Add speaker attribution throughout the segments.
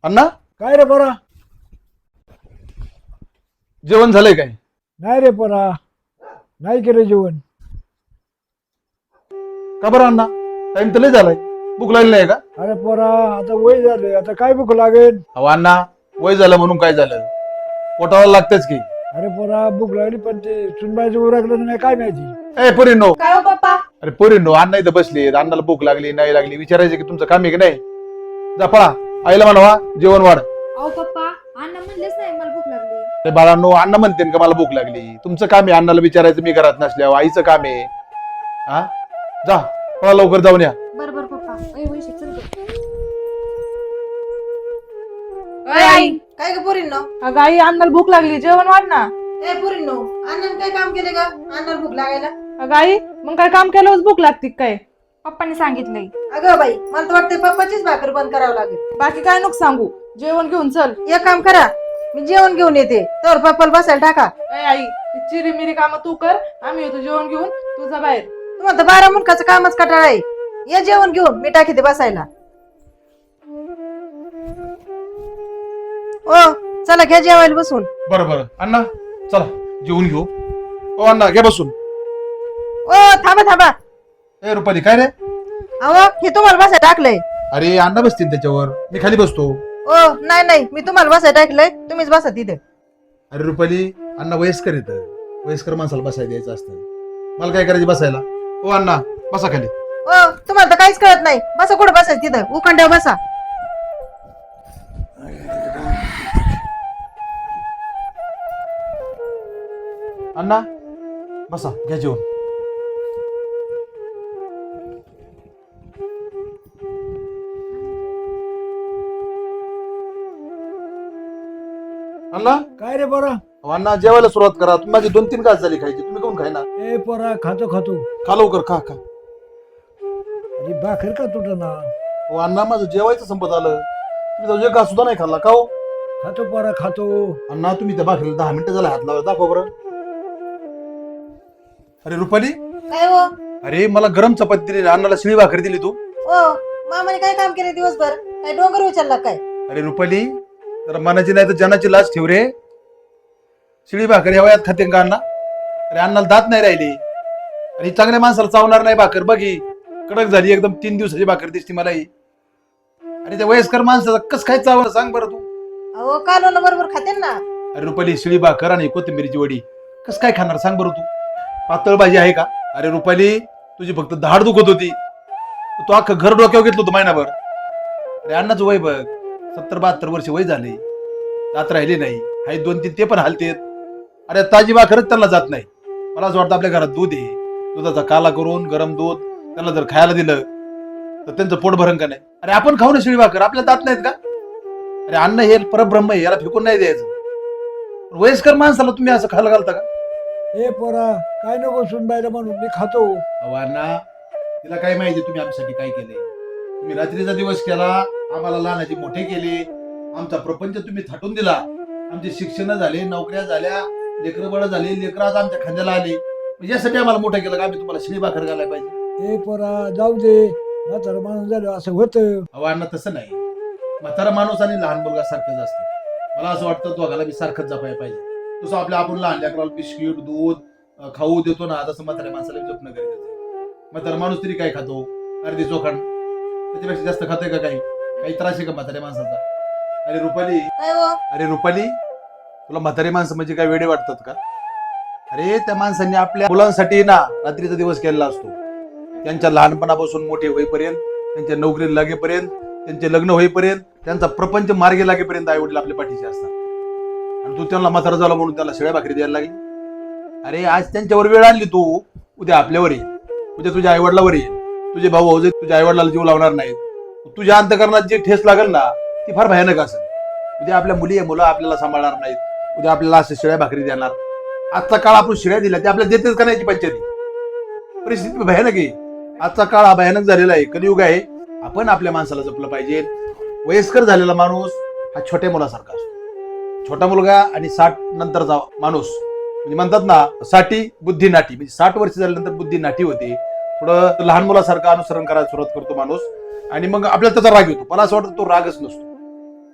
Speaker 1: अण्णा
Speaker 2: काय रे पोरा?
Speaker 1: जेवण झालंय काय?
Speaker 2: नाही रे पोरा, नाही केलं जेवण.
Speaker 1: का बरं अण्णा? टाइम तर लय झालाय, भूक लागली नाही का?
Speaker 2: अरे पोरा, आता वय झालं, आता काय भूक लागेल?
Speaker 1: अहो अण्णा, वय झालं म्हणून काय झालं? पोटाला लागतच की.
Speaker 2: अरे पोरा, भूक लागली पण ते सुनबाईचं उरकलं नाही काय माहिती.
Speaker 1: ए पोरींनो,
Speaker 3: काय हो पप्पा?
Speaker 1: अरे पोरींनो, अण्णा इथं बसले, अण्णाला भूक लागली नाही लागली विचारायचं की तुमचं काम आहे की नाही? जा पळा, आईला म्हणवा जेवण वाढ.
Speaker 3: अहो पप्पा, अण्णा म्हणलेच नाही मला भूक लागली.
Speaker 1: ते बाळांनो, अण्णा म्हणते का मला भूक लागली? तुमचं काम आहे अण्णाला विचारायचं, मी घरात नसल्यावर आईचं काम आहे. हा, जा पळा लवकर जाऊन या.
Speaker 3: बरोबर पप्पा. ए वैशी चल गं. अय आई,
Speaker 4: काय ग पोरींनो?
Speaker 5: अगं आई अन्नाला भूक लागली, जेवण वाढ ना.
Speaker 4: ए पोरींनो, अण्णाने काय काम केले का अण्णाला भूक लागायला?
Speaker 5: अगं आई, मग काय काम केल्यावर भूक लागते काय?
Speaker 3: पप्पाने सांगितलंय.
Speaker 4: अगं बाई, मला तर वाटतंय पप्पाचीच भाकर बंद करावं लागेल.
Speaker 5: बाकी काय नको सांगू, जेवण घेऊन चल.
Speaker 4: एक काम करा, मी जेवण घेऊन येते, तर पप्पाला बसायला टाका.
Speaker 5: ए आई, चिरी मिरी काम तू कर, आम्ही येतो जेवण घेऊन, तुझा बाहेर.
Speaker 4: तुम्हाला तर 12 मुलकाचं कामच कटाळा आहे. या जेवण घेऊन, मी टाकी ते बसायला. ओ चला घ्या जेवायला बसून.
Speaker 1: बरं बरं अण्णा, चला जेवून घेऊ. ओ अण्णा घ्या बसून.
Speaker 4: ओ थांबा थांबा.
Speaker 1: ए रुपाली, काय रे?
Speaker 4: अहो हे तुम्हाला बसायला टाकलंय.
Speaker 1: अरे अण्णा बसतील त्याच्यावर, मी खाली बसतो.
Speaker 4: ओ नाही नाही, मी तुम्हाला बसायला टाकलंय, तुम्हीच बसा तिथे.
Speaker 1: अरे रुपाली, अण्णा वयस्कर येत, वयस्कर माणसाला बसायला द्यायचं असतं. मला काय करायचं बसायला? ओ अण्णा बसा खाली.
Speaker 4: ओ तुम्हाला तर काहीच कळत नाही, बसा कुठं बसायचं तिथं, उखंड्यावर बसा.
Speaker 1: अण्णा बसा, घ्या जेवण. अण्णा,
Speaker 2: काय रे पोरा?
Speaker 1: अहो, अण्णा जेवायला सुरुवात करा. तुम्ही माझी 2-3 घास झाली खायची, तुम्ही कोण खाय ना?
Speaker 2: ए पोरा, खातो खातो.
Speaker 1: खा लवकर, खा खा.
Speaker 2: अरे भाकर का तुटं ना?
Speaker 1: हो अण्णा, माझं जेवायचं संपत आलं, तुम्ही जाऊ एक घास सुद्धा नाही खाल्ला का हो?
Speaker 2: खातो पोरा, खातो.
Speaker 1: अण्णा तुम्ही त्या भाकरीला 10 मिनिटं झाला हात लावा, दाखव बरं. अरे रुपाली,
Speaker 4: काय हो?
Speaker 1: अरे मला गरम चपाती दिली, अण्णाला शिळी भाकरी दिली तू.
Speaker 4: ओ मामाने काय काम केले दिवसभर? काय डोंगर उचलला काय?
Speaker 1: अरे रुपाली, जरा मनाची नाही तर जनाची लाज ठेव रे. शिळी भाकरी या वयात खाते का अण्णा? अरे अण्णाला दात नाही राहिली, आणि चांगल्या माणसाला चावणार नाही भाकर. बघी कडक झाली एकदम, 3 दिवसाची भाकर दिसती मला ही. आणि त्या वयस्कर माणसाचा कस काय चावलं सांग बरं तू.
Speaker 4: अहो कालवण बरोबर खाते ना.
Speaker 1: अरे रुपाली, शिळी भाकर आणि कोथिंबीरची वडी कस काय खाणार सांग बरं तू. पातळ भाजी आहे का? अरे रुपाली, तुझी फक्त धाड दुखत होती, तू अख्खं घर डोक्यावर घेतलं होतं महिनाभर. अरे अण्णाचं वय बघ, 70-72 वर्ष वय झाले, दात राहिली नाही, हाय 2-3 ते पण हालतेत. अरे ताजी भाकरच त्यांना जात नाही. मला असं वाटतं आपल्या घरात दूध आहे, दुधाचा काला करून गरम दूध त्यांना जर खायला दिलं तर त्यांचं पोट भरण का नाही? अरे आपण खाऊ ना शिळी भाकर, आपल्याला दात नाहीत का? अरे अन्न हे परब्रह्म आहे, याला फेकून नाही द्यायचं. वयस्कर माणसाला तुम्ही असं खायला घालता का?
Speaker 2: ए पोरा, काय नको सुनबाईला म्हणून मी खातो.
Speaker 1: अहो अण्णा, तिला काय माहिती तुम्ही आमच्यासाठी काय केले? तुम्ही रात्रीचा दिवस केला, आम्हाला लहानाचे मोठे केले, आमचा प्रपंच तुम्ही थाटून दिला, आमचे शिक्षण झाले, नोकऱ्या झाल्या, लेकरं बळ झाले, लेकरं आज आमच्या खांद्याला आले. यासाठी आम्हाला मोठं केलं का आम्ही तुम्हाला शिळी भाकर घालायला पाहिजे?
Speaker 2: ए पोरा, जाऊ दे, म्हातारं माणूस झालं असं होतं.
Speaker 1: अहो अण्णा, तसं नाही. म्हातारा माणूस आणि लहान मुलगा सारखंच असतं. मला असं वाटतं दोघाला मी सारखंच जपायला पाहिजे. तसं आपल्या आपण लहान लेकराला बिस्किट दूध खाऊ देतो ना, तसं म्हाताऱ्या माणसाला जपणं गरजेचं आहे. म्हातारा माणूस तरी काय खातो? अर्धी चोखंड, त्याच्यापेक्षा जास्त खातोय का? काही त्रास आहे का म्हाताऱ्या माणसाचा? अरे रुपाली,
Speaker 4: काय हो?
Speaker 1: अरे रुपाली, तुला म्हातारी माणसं म्हणजे काय वेडे वाटतात का? अरे त्या माणसांनी आपल्या मुलांसाठी ना रात्रीचा दिवस केलेला असतो. त्यांच्या लहानपणापासून मोठे होईपर्यंत, त्यांच्या नोकरीला लागेपर्यंत, त्यांचे लग्न होईपर्यंत, त्यांचा प्रपंच मार्गी लागेपर्यंत आई वडील आपल्या पाठीशी असतात. आणि तू त्यांना म्हातारा झाला म्हणून त्याला शिळ्या भाकरी द्यायला लागली? अरे आज त्यांच्यावर वेळ आणली तू, उद्या आपल्यावर येईल, उद्या तुझ्या आई वडिलावर येईल. तुझे भाऊ भाऊ तुझ्या आई वडिलाला जीव लावणार नाहीत. तुझ्या अंतकरणात जी ठेस लागेल ना, ती फार भयानक असेल. उद्या आपल्या मुलं आपल्याला सांभाळणार नाहीत, उद्या आपल्याला अशा शिळ्या भाकरी देणार. आजचा काळ आपण शिळ्या दिल्या ते आपल्याला देतेच का नाही? पंचायती परिस्थिती भयानक आहे. आजचा काळ हा भयानक झालेला आहे, कलियुग आहे. आपण आपल्या माणसाला जपलं पाहिजे. वयस्कर झालेला माणूस हा छोट्या मुलासारखा असतो. छोटा मुलगा आणि 60 नंतरचा माणूस म्हणजे म्हणतात ना, 60 बुद्धी नाटी, म्हणजे 60 वर्ष झाल्यानंतर बुद्धी नाटी होते. थोडं लहान मुलासारखं अनुसरण करायला सुरुवात करतो माणूस, आणि मग आपल्याला त्याचा राग येतो. मला असं वाटतं तो रागच नसतो.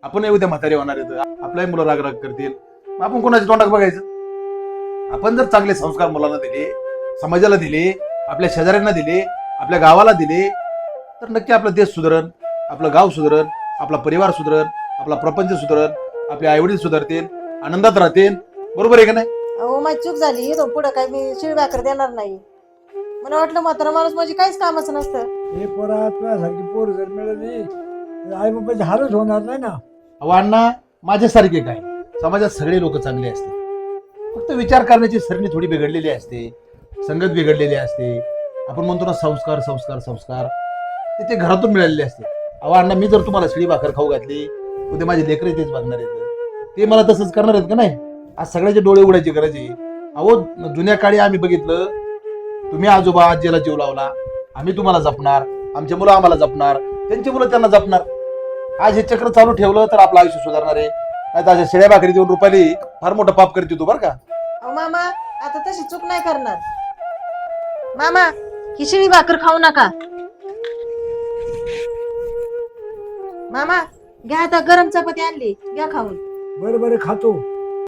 Speaker 1: आपण उद्या म्हातारे होणार आहेत, आपल्याही मुलं राग करतील, मग आपण कोणाच्या तोंडात बघायचं? आपण जर चांगले संस्कार मुलांना दिले, समाजाला दिले, आपल्या शेजाऱ्यांना दिले, आपल्या गावाला दिले, तर नक्की आपला देश सुधरण, आपलं गाव सुधरण, आपला परिवार सुधरण, आपला प्रपंच सुधरण, आपले आईवडील सुधारतील, आनंदात राहतील. बरोबर आहे का नाही?
Speaker 4: अहो माझी चूक झाली, इथून पुढं काय मी शिळ भाकर देणार नाही. मला वाटलं म्हातारा माणूस म्हणजे काहीच कामाचं नसतं.
Speaker 2: हे पोरा तुझ्यासारखी पोर जर मिळाली तर आई बाबाची हालच होणार नाही ना.
Speaker 1: अहो अण्णा, माझ्यासारखे काय, समाजात सगळे लोक चांगले असते, फक्त विचार करण्याची सरणी थोडी बिघडलेली असते, संगत बिघडलेली असते. आपण म्हणतो ना संस्कार संस्कार संस्कार, ते घरातून मिळालेले असते. अहो अण्णा, मी जर तुम्हाला शिळी भाकर खाऊ घातली, उद्या माझे लेकरे तेच बघणार आहेत, ते मला तसंच करणार आहेत का नाही? आज सगळ्याचे डोळे उघडायची गरज आहे. अहो जुन्या काळी आम्ही बघितलं, तुम्ही आजोबा आजीला जीव लावला, आम्ही तुम्हाला जपणार, आमचे मुलं आम्हाला जपणार, त्यांची मुलं त्यांना जपणार. आज हे चक्र चालू ठेवलं तर आपलं आयुष्य सुधारणार आहे. नाही तर अशा शेळ्या भाकरी देऊन रुपाली फार मोठं पाप करते तू, बरं का?
Speaker 4: अहो मामा, आता तशी चूक नाही करणार. मामा, ही शिळी भाकर खाऊ नका. मामा, घ्या आता गरम चपाती आणली, घ्या खाऊन.
Speaker 2: बरं बरं खातो.